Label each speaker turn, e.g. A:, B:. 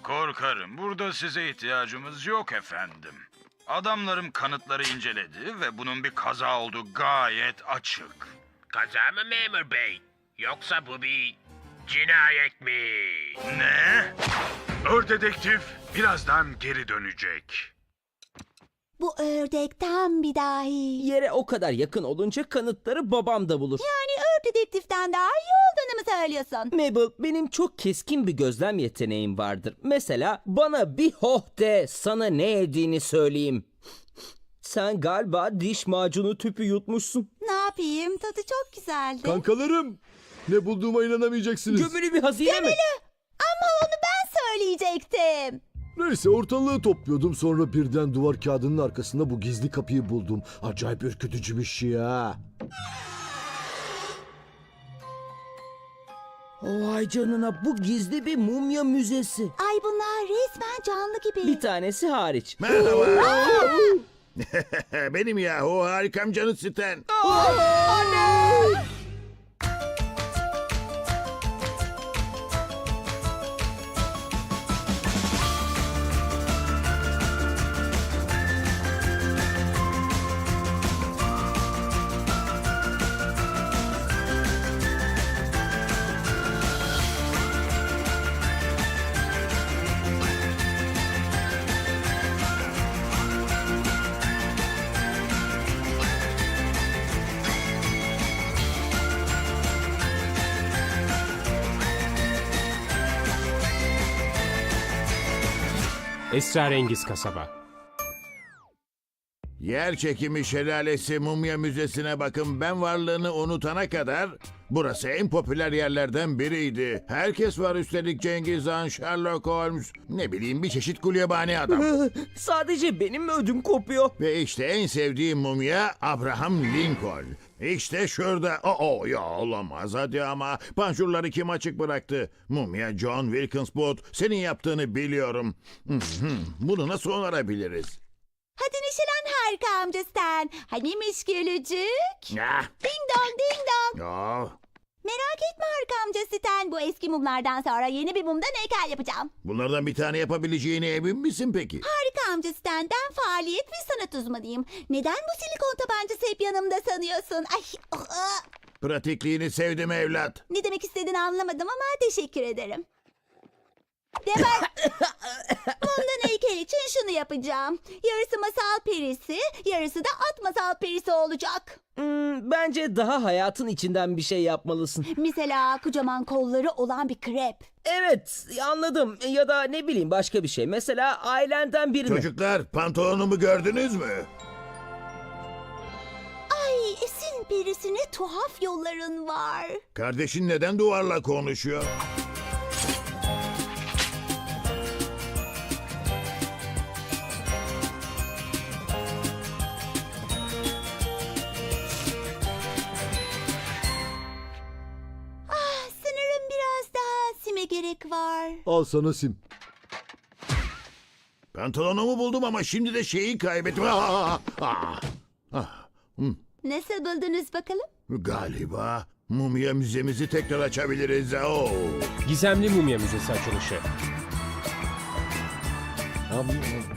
A: Korkarım burada size ihtiyacımız yok efendim. Adamlarım kanıtları inceledi ve bunun bir kaza olduğu gayet açık.
B: Kaza mı memur bey? Yoksa bu bir cinayet mi?
A: Ne?
C: Dedektif birazdan geri dönecek.
D: Bu ördek tam bir dahi.
E: Yere o kadar yakın olunca kanıtları babam da bulur.
D: Yani dedektiften daha iyi olduğunu mu söylüyorsun?
E: Mabel, benim çok keskin bir gözlem yeteneğim vardır. Mesela bana bir hoh de, sana ne yediğini söyleyeyim. Sen galiba diş macunu tüpü yutmuşsun.
D: Ne yapayım? Tadı çok güzeldi.
F: Kankalarım, ne bulduğuma inanamayacaksınız.
E: Gömülü bir hazine mi?
D: Ama onu ben söyleyecektim.
F: Neyse, ortalığı topluyordum, sonra birden duvar kağıdının arkasında bu gizli kapıyı buldum. Acayip ürkütücü bir şey ha.
E: Vay canına, bu gizli bir mumya müzesi.
D: Ay bunlar resmen canlı gibi.
E: Bir tanesi hariç.
G: Merhaba. Benim yahu harikam canı Stan.
H: Esrarengiz kasaba.
G: Yer çekimi şelalesi mumya müzesine bakın, ben varlığını unutana kadar burası en popüler yerlerden biriydi. Herkes var, üstelik Cengiz Han, Sherlock Holmes, ne bileyim bir çeşit gulyabani adam.
E: Sadece benim mi ödüm kopuyor?
G: Ve işte en sevdiğim mumya Abraham Lincoln. İşte şurada. Ya olamaz hadi ama. Panjurları kim açık bıraktı? Mumya John Wilkins Booth. Senin yaptığını biliyorum. Bunu nasıl onarabiliriz?
D: Hadi neşelen harika amca sen. Hanimiş gülücük?
G: Ya.
D: Ding dong ding dong.
G: Ya.
D: Merak etme harika amca Stan. Bu eski mumlardan sonra yeni bir mumdan heykel yapacağım.
G: Bunlardan bir tane yapabileceğine emin misin peki?
D: Harika amca Stan. Ben faaliyet ve sanat uzmanıyım. Neden bu silikon tabancası hep yanımda sanıyorsun? Ay,
G: Pratikliğini sevdim evlat.
D: ne demek istediğini anlamadım ama teşekkür ederim. Demek mumdan heykel için şunu yapacağım. Yarısı masal perisi, yarısı da at masal perisi olacak.
E: Bence daha hayatın içinden bir şey yapmalısın.
D: Mesela kocaman kolları olan bir krep.
E: Evet, anladım. Ya da ne bileyim başka bir şey. Mesela ailenden birini.
G: Çocuklar, pantolonumu gördünüz mü?
D: Ay esin perisine tuhaf yolların var.
G: Kardeşin neden duvarla konuşuyor?
D: Sanırım biraz daha sime gerek var.
F: Al sana sim.
G: Pantolonumu buldum ama şimdi de şeyi kaybettim.
D: Nasıl buldunuz bakalım?
G: Galiba mumya müzemizi tekrar açabiliriz.
H: Gizemli Mumya Müzesi açılışı.